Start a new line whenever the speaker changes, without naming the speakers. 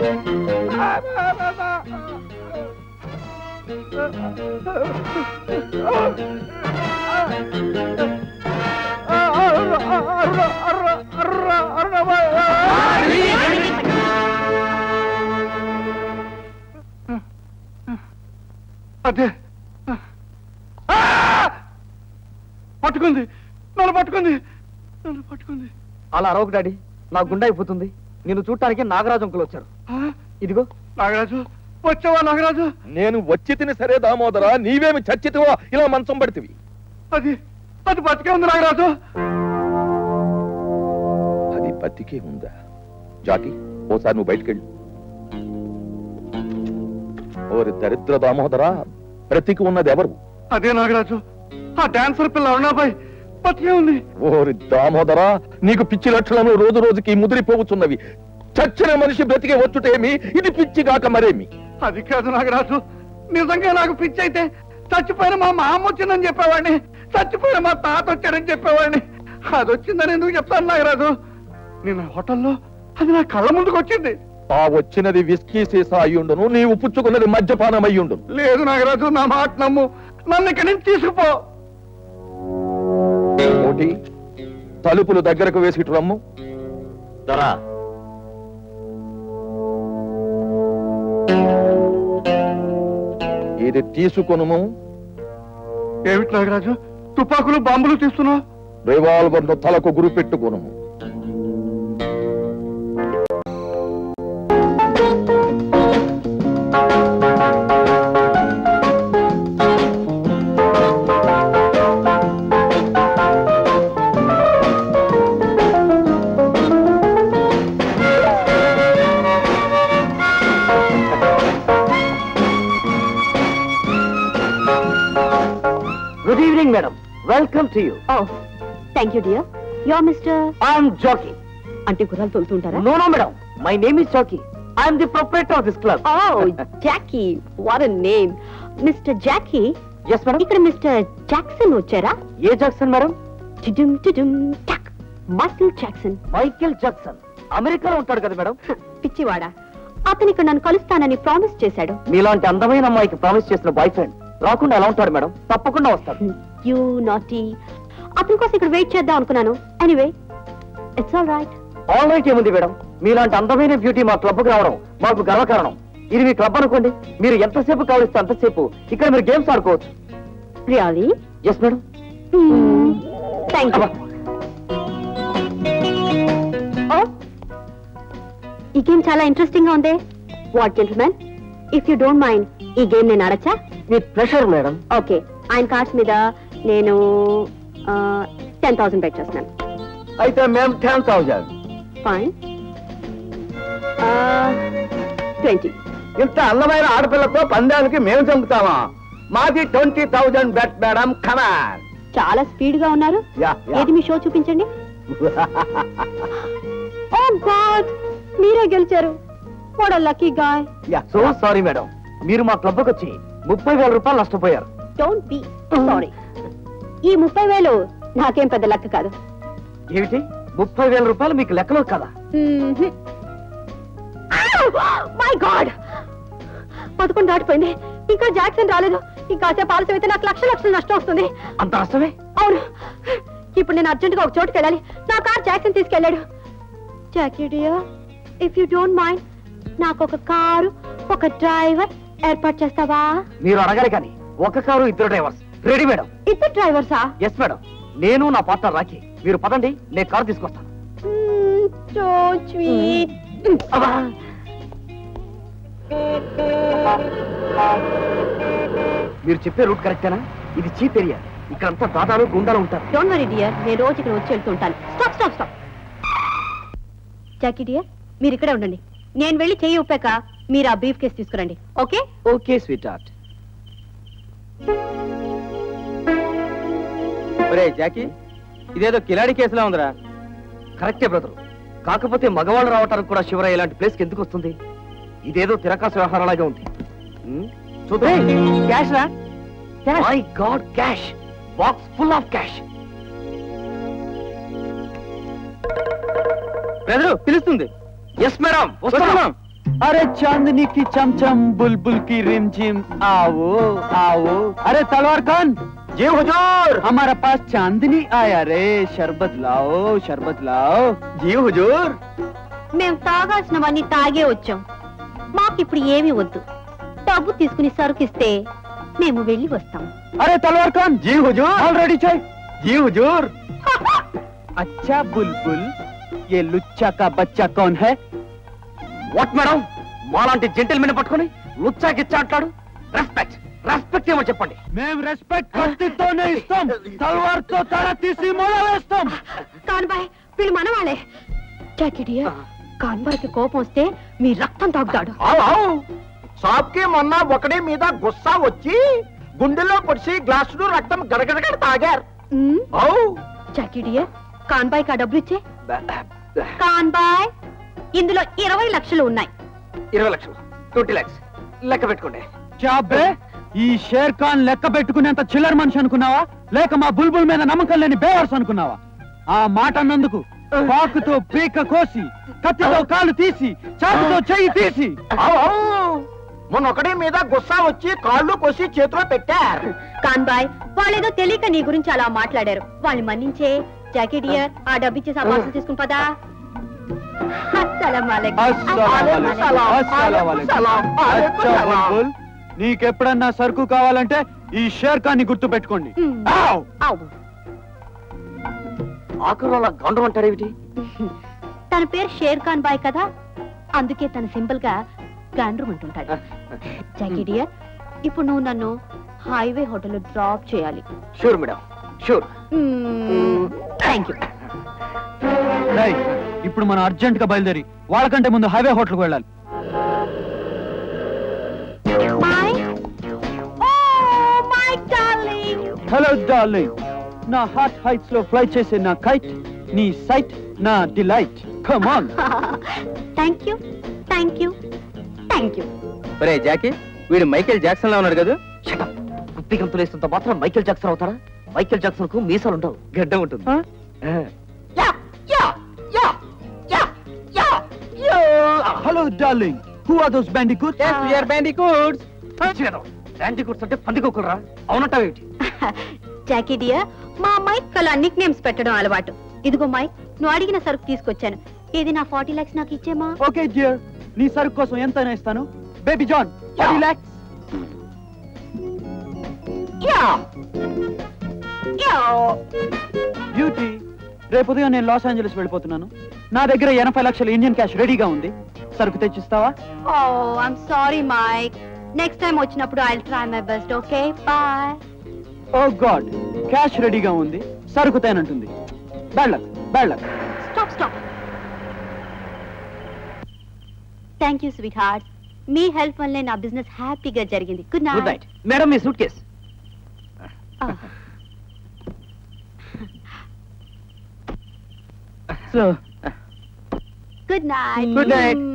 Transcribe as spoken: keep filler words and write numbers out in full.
అదే పట్టుకుంది, నన్ను పట్టుకుంది, నన్ను పట్టుకుంది.
అలా అరవకు డాడీ, నా గుండె అయిపోతుంది. నిన్ను చూడటానికి నాగరాజు అంకులు వచ్చారు. ఇదిగో.
నాగరాజు వచ్చావా? నాగరాజు,
నేను వచ్చి తిని సరే దామోదరా, నీవేమి చచ్చితివో ఇలా మంచం పడితివి.
అది అది బతికే ఉంది నాగరాజు.
అది బతికే ఉందా? జాకి, ఓసారి నువ్వు బయటకెళ్ళు. ఓరి దరిద్ర దామోదరా, బ్రతికి ఉన్నది ఎవరు?
అదే నాగరాజు, ఆ డాన్సర్ పిల్ల అరుణాబాయ్ బతికే ఉంది.
ఓరి దామోదరా, నీకు పిచ్చి లక్షణాలు రోజు రోజుకి ముదిరిపోతున్నవి. చచ్చిన మనిషి బ్రతికే వచ్చుటేమి, ఇది పిచ్చి కాక మరేమి?
అది కాదు నాగరాజు, నిజంగా నాకు పిచ్చి అయితే చచ్చిపోయిన మా మామ వచ్చిందని చెప్పేవాడిని, చచ్చిపోయిన మా తాత వచ్చాడని చెప్పేవాడిని. అది వచ్చిందని ఎందుకు చెప్తాను నాగరాజు? నేను హోటల్లో అది నా కళ్ళ ముందుకు వచ్చింది.
ఆ వచ్చినది విస్కీ సీసా అయ్యుండును, నీవు పుచ్చుకున్నది మద్యపానం అయ్యుండును.
లేదు నాగరాజు, నా మాట నమ్ము, నన్ను ఇక్కడి నుంచి తీసుకుపో.
కోటి, తలుపులు దగ్గరకు వేసి రమ్ము.
దొరా,
ఇది తీసుకొనుము.
ఏమిటి నాగరాజు, తుపాకులు బాంబులు తీస్తున్నావు?
రివాల్వర్ ను తలకు గురి పెట్టుకొనుము.
Good evening madam, welcome to you.
Oh thank you dear. Your mister?
I'm Jackie.
అంటే గుర్రాలు తోలుతుంటారా?
No no madam, my name is Jackie. I'm the proprietor of this club.
Oh Jackie, what a name. Mister Jackie.
Yes madam.
ఇక్కడ mister Jackson వచ్చారా?
ఏ Jackson madam?
టిడుమ్ టిడుమ్ టక్. Michael Jackson.
Michael Jackson అమెరికాలో ఉంటాడు కదా మేడం?
పిచ్చివాడా, అతను ఇక్కడ నన్ను కలుస్తానని ప్రామిస్ చేశాడు.
మీలాంటి అందమైన అమ్మాయికి ప్రామిస్ చేసిన బాయ్ ఫ్రెండ్ రాకుండా ఎలా ఉంటాడు మేడం? తప్పకుండా వస్తాడు.
You naughty. అతని కోసం ఇక్కడ వెయిట్ చేద్దాం అనుకున్నాను. Anyway it's all right.
All right ఏముంది మేడం, మీలాంటి అందమైన బ్యూటీ మా క్లబ్ కు రావడం మాకు గర్వకారణం. ఇది మీ క్లబ్ అనుకోండి, మీరు ఎంతసేపు కావలిస్తే అంతసేపు ఇక్కడ మీరు గేమ్స్ ఆడుకోవచ్చు.
Really?
Yes madam.
Thank you. ఈ గేమ్ చాలా ఇంట్రెస్టింగ్ గా ఉంది. What gentlemen, if you don't mind ఈ గేమ్ నేను ఆడచ్చా?
With pressure madam.
ఓకే, ఆయన కార్డ్స్ మీద నేను టెన్ థౌసండ్ బెట్ చేస్తున్నాను.
అయితే మేము టెన్ థౌజండ్.
ఫైన్. ట్వంటీ.
ఇంత అందమైన ఆడపిల్లతో పందానికి మేము చంపుతామా? మాది twenty thousand bet madam. Come on.
చాలా స్పీడ్ గా ఉన్నారు.
Yeah, yeah.
ఏది మీ షో చూపించండి. ఓ గాడ్, మీరే గెలిచారు. What a lucky guy.
So sorry madam, మీరు మా క్లబ్ వచ్చి ముప్పై వేల రూపాయలు నష్టపోయారు.
Don't be sorry. ఈ ముప్పై వేలు నాకేం పెద్ద లెక్క కాదు.
ఏమిటి, ముప్పై వేల రూపాయలు మీకు లెక్కలో కదా?
మై గాడ్, పదకొండు దాటిపోయింది, ఇంకా జాక్సన్ రాలేదు. ఇంకా కాసేపు ఆలస్యం అయితే నాకు లక్ష లక్షలు నష్టం వస్తుంది.
అంత నష్టమే?
అవును. ఇప్పుడు నేను అర్జెంట్ గా ఒక చోటుకి వెళ్ళాలి. నా కార్ జాక్సన్ తీసుకెళ్ళాడు. Jackie dear, if you don't mind నాకు ఒక కారు, ఒక డ్రైవర్ ఏర్పాటు చేస్తావా?
మీరు అడగాలి కానీ ఒక కారు ఇద్దరు డ్రైవర్స్ రెడీ మేడం.
ఇద్దరు డ్రైవర్సా?
Yes madam. నేను నా పార్ట్నర్ రాకి. మీరు పదండి, నేను కారు తీసుకొస్తాను.
So sweet.
మీరు చెప్పే రూట్ కరెక్టేనా? ఇది చీప్ ఏరియా, ఇక్కడంతా దాదాలు గుండాలు ఉంటారు.
డోంట్ వరీ డియర్, నేను రోజు ఇక్కడ వచ్చి వెళ్తుంటాను. Stop stop stop. Jackie dear, మీరు ఇక్కడే ఉండండి. నేను వెళ్ళి చెయ్యి ఉప్పాక మీరు ఆ బ్రీఫ్ కేసు తీసుకురండి. ఓకే?
Okay sweetheart. ఒరే జాకీ, ఇదేదో కిలాడి కేసులా ఉందిరా. కరెక్టే బ్రదరు, కాకపోతే మగవాళ్ళు రావటానికి కూడా శివరాయ్ ఇలాంటి ప్లేస్కి ఎందుకు వస్తుంది? ఇదేదో తిరకాసు వ్యవహారాలాగా ఉంది. చూద్దాం. క్యాష్ రా. My God, cash box full of cash. Brother పిలుస్తుంది. ఎస్ మేడం, వస్తున్నాం.
अरे चांदनी की चमचम बुलबुल की रिमझिम आओ आओ अरे तलवार खान
जी हुजूर
हमारा पास चांदनी आया रे शरबत लाओ शरबत लाओ
जी हुजूर
మేము తాగాల్సినవన్నీ తాగే వచ్చాం మాకిప్పుడు ఏమీ వద్దు డబ్బు తీసుకుని సరుకిస్తే మేము వెళ్ళి వస్తాం
अरे तलवार खान
जी हुजूर
ऑलरेडी चाहिए
जी हुजूर
अच्छा बुलबुल ये लुच्चा का बच्चा कौन है
వాట్ మేడం మాలాంటి జెంటిల్మెన్ పట్టుకొని లుచ్చా గిచ్చా అంటాడు రెస్పెక్ట్ రెస్పెక్ట్ ఏమో చెప్పండి
మేము రెస్పెక్ట్ కత్తితోనే ఇస్తాం తలవార్తో తల తీసి మొల వేస్తాం
కాన్బాయ్ వీళ్ళు మనవాళ్ళే జాకిడియా కాన్బాయ్కి కోపం వస్తే మీ రక్తం తాగుతాడు
షాప్కి మొన్న ఒకడి మీద గుస్సా వచ్చి గుండెలో పొడిచి గ్లాసులు రక్తం గడగడగడ తాగారు
ఉమ్,
అవు
జాకిడియా కాన్బాయ్కి ఆ డబ్బులు ఇచ్చే కాన్బాయ్ ఇందులో ఇరవై లక్షలు ఉన్నాయి
ఇరవై లక్షలు ట్వంటీ లాక్స్ లెక్క పెట్టుకోండి
చాబే ఈ షేర్ ఖాన్ లెక్క పెట్టుకునేంత చిల్లర మనిషి అనుకున్నావా లేక మా బుల్బుల్ మీద నమ్మకం లేని బేవర్స్ అనుకున్నావా ఆ మాట అన్నందుకు పాకుతో పీక కోసి కత్తితో కాలు తీసి చాకుతో చెయ్యి తీసి
అవు అవు మొన్న ఒకడి మీద గుస్సా వచ్చి కాళ్ళు కోసి చేతిలో పెట్టారు
కాన్బాయ్ వాళ్ళేదో తెలియక నీ గురించి అలా మాట్లాడారు వాళ్ళని మన్నించే జాకిడియర్ ఆ డబ్బు ఇచ్చేసి ఆ బాక్స్ తీసుకుని పదా అస్సలం వాలేకుం.
అస్సలాము అలైకుం. అస్సలాము అలైకుం. అచ్చా బుల్బుల్ నీకెప్పుడన్నా సరుకు కావాలంటే ఈ షేర్ ఖాన్ ని గుర్తు పెట్టుకోండి
ఉమ్. ఆవు.
ఆఖరు అలా గండం అంటారేమిటి
తన పేరు షేర్ ఖాన్ బాయ్ కదా అందుకే తన సింపుల్ గా గాండ్రు అంటుంటాడు జాకిడియర్ ఇప్పుడు నువ్వు నన్ను హైవే హోటల్ డ్రాప్ చేయాలి
sure madam sure
thank you
రేయ్, ఇప్పుడు మనం అర్జెంట్ గా బయలుదేరి వాళ్ళకంటే ముందు హైవే హోటల్ కు వెళ్ళాలి
my oh my darling
hello darling నా హార్ట్ హైట్స్ లో ఫ్లై చేసే నా కైట్ నీ సైట్ నా delight come on
thank you thank you thank you
ఒరే జాకీ వీడు మైకేల్ జాక్సన్ లా ఉన్నాడు కదా కుప్పి గంతులు వేస్తున్నంత మాత్రం మైకేల్ జాక్సన్ అవుతారా మైకేల్ జాక్సన్ కు మీసాలు ఉండవు గడ్డ ఉంటుంది
hello darling who are those bandicoots
bandicoots bandicoots అంటే పందికొక్కులరా అవునట్టావేమిటి
జాకీ డియర్ మా మైక్ కలా నిక్ నేమ్స్ పెట్టడం అలవాటు ఇదిగో మైక్ నువ్వు అడిగిన సరుకు తీసుకొచ్చాను ఇది నా ఫార్టీ లాక్స్ నాకు ఇచ్చేమా
ఓకే డియర్ నీ సరుకు కోసం ఎంత ఇస్తాను baby John forty lakhs beauty రేపు ఉదయం నేను లాస్ ఏంజలస్ వెళ్ళిపోతున్నాను నా దగ్గర ఎనభై లక్షల ఇండియన్ క్యాష్ రెడీగా ఉంది సరుకు తెచ్చిస్తావా
oh I'm sorry Mike next time వచ్చినప్పుడు I try my best okay bye
oh God cash రెడీగా ఉంది సరుకు తేనంటుంది bad luck bad luck
stop stop thank you sweetheart మీ హెల్ప్ వల్లే నా బిజినెస్ హ్యాపీగా జరిగింది good
good
night
night madam మీ suitcase
so
good night
Good night.